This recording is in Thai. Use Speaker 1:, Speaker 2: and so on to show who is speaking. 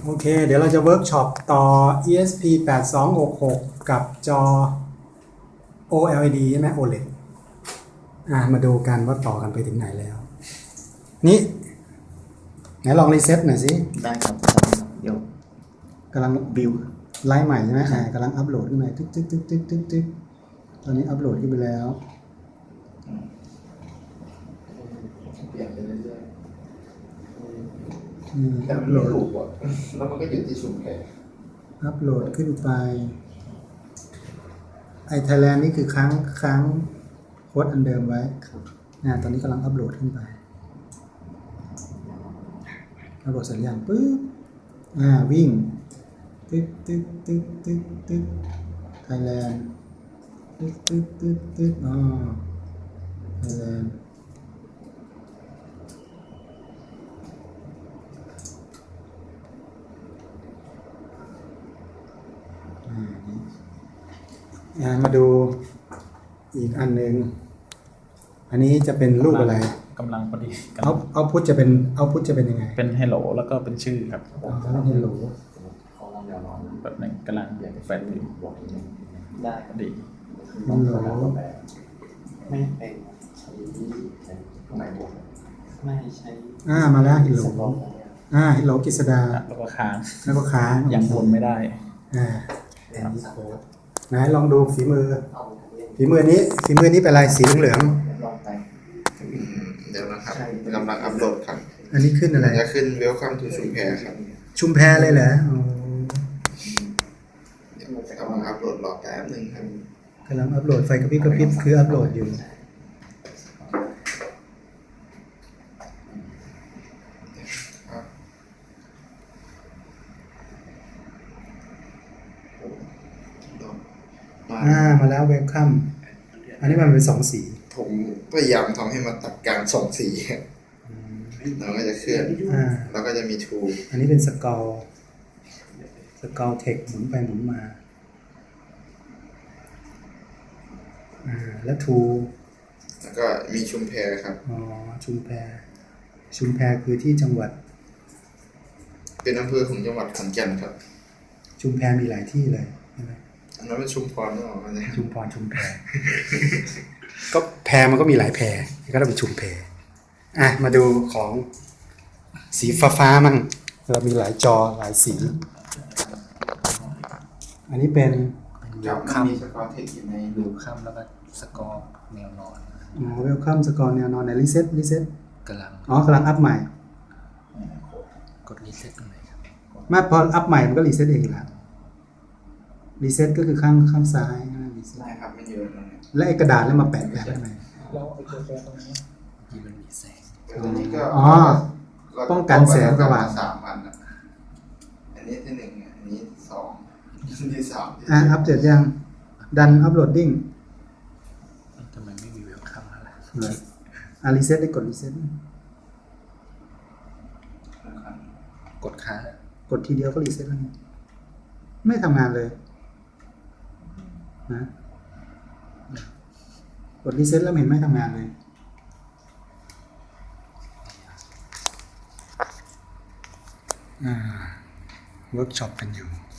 Speaker 1: โอเคเดี๋ยวเราจะเวิร์กช็อปต่อ ESP 8266กับจอ OLED ใช่ไหม OLED มาดูกันว่าต่อกันไปถึงไหนแล้วนี่ไหนลองรีเซ็ตหน่อยสิ
Speaker 2: ได้ครับเดี๋ยว
Speaker 1: กำลัง
Speaker 2: บิว
Speaker 1: ไลฟ์ใหม่ใช่ไหมกำลังอัปโหลดขึ้นมาตึ๊กตอนนี้อัปโหลดขึ้นไปแล้ว
Speaker 3: เปลี่ยนไปเรื่อยๆแต่
Speaker 1: อั
Speaker 3: มั
Speaker 1: ป
Speaker 3: น
Speaker 1: โหล
Speaker 3: ไม่
Speaker 1: ด
Speaker 3: ถูกอ่ะแล้วมันก็อยู่ที่ชุมแพ
Speaker 1: อัปโหลดขึ้นไปไทยแลนด์นี่คือค้างโค้ดอันเดิมไว้ตอนนี้กำลังอัปโหลดขึ้นไปอัปโหลดเสร็จยังปึ๊บวิ่งตึ๊กไทยแลนด์ตึ๊กไทยแลนด์มาดูอีกอันหนึ่งอันนี้จะเป็นรูปอะไร
Speaker 2: กำลังพอดี
Speaker 1: เอาพุทจะเป็นยังไง
Speaker 2: เป็น hello แล้วก็เป็นชื่อครับ
Speaker 1: เฮลโหล
Speaker 3: เขาลองแนวนอน
Speaker 2: แบบหนึ่งกำลังแฟนอยู่
Speaker 3: บอกอีกนิด
Speaker 2: ได้พอดี
Speaker 1: เฮลโหล
Speaker 3: ไม่เป็นใช้ตรงไหนบวก
Speaker 4: ไม่ใช้
Speaker 1: มาแล้วเฮลโหล
Speaker 3: สำรอง
Speaker 1: เฮลโหลกฤษดา
Speaker 2: แล้วก็ค้าง
Speaker 1: แล้วก็ค้าง
Speaker 2: ยังวนไม่ได้
Speaker 3: เป็นที่โค้ด
Speaker 1: ไหนลองดูฝีมือ
Speaker 3: เอาเล่น
Speaker 1: ฝีมือนี้เป็นอะไรสีเหลือง
Speaker 3: ลองไป
Speaker 5: เดี๋ยวนะครับกำลังอัปโหลดครับ
Speaker 1: อันนี้ขึ้นอะไร
Speaker 5: มันจะขึ้น Welcome to ชุมแพครับ
Speaker 1: ชุมแพเลยเหรออ๋อ
Speaker 5: เดี๋ยวกำลังอัปโหลดรอแป๊บนึงครับ
Speaker 1: กำลังอัปโหลดไฟกระพริบคืออัปโหลดอยู่มาแล้วเวลคัมอันนี้มันเป็น2 สี
Speaker 5: ผมพยายามทำให้มันตัดการสองสีแล้วก็จะเคลื่อนแล้วก็จะมีทู
Speaker 1: อันนี้เป็นสกอลเทคหมุนไปหมุนมาแล้วทู
Speaker 5: แล้วก็มีชุมแพครับ
Speaker 1: ชุมแพคือที่จังหวัด
Speaker 5: เป็นอำเภอของจังหวัดขอนแก่นครับ
Speaker 1: ชุมแพมีหลายที่เลยใช่ไหม
Speaker 5: อันนั้นเป็นชุมพรหรือเปล่าเนี่ย
Speaker 1: ชุมแพ ก็แพมันก็มีหลายแพก็ต้องเป็นชุมแพมาดูของสีฟ้ามั่งเรามีหลายจอหลายสี อันนี้เป็น
Speaker 5: ครับมีสกอร์เทคอยู่ใน
Speaker 4: ดูค่ำแล้วก็สกอร์แนวนอน
Speaker 1: เวลคัมสกอร์แนวนอนในรีเซ็ต
Speaker 4: กำลัง
Speaker 1: กำลังอัพใหม่
Speaker 4: กดรีเซ็ตตรงไหนครับ
Speaker 1: พออัพใหม่มันก็รีเซ็ตเองแล้วรีเซ็ตก็คือข้างซ้ายรีเซ็ต
Speaker 5: ได้ครับมันอยู่ตรงนี้
Speaker 1: และไอ้กระดาษแล้วมาแปะไว้ข้างใน
Speaker 4: ที่มันมีแสง
Speaker 5: แต่ตอนนี้ก็
Speaker 1: ป้องกันแสงสว่าง
Speaker 5: 3 อันนะอันนี้ที่ 1อันนี้ที่ 2อันที่ 3ที่
Speaker 1: อัปเดตยังดันอัพโหลดดิ้ง
Speaker 4: ทำไมไม่มีเวลคัมอะไร
Speaker 1: รีเซ็ตได้กดรีเซ็ต
Speaker 4: กดค้าง
Speaker 1: กดทีเดียวก็รีเซ็ตแล้วนี่ไม่ทำงานเลยนะกดรีเซ็ตแล้วเห็นไม่ทำงานเลยเวิร์กช็อปกันอยู่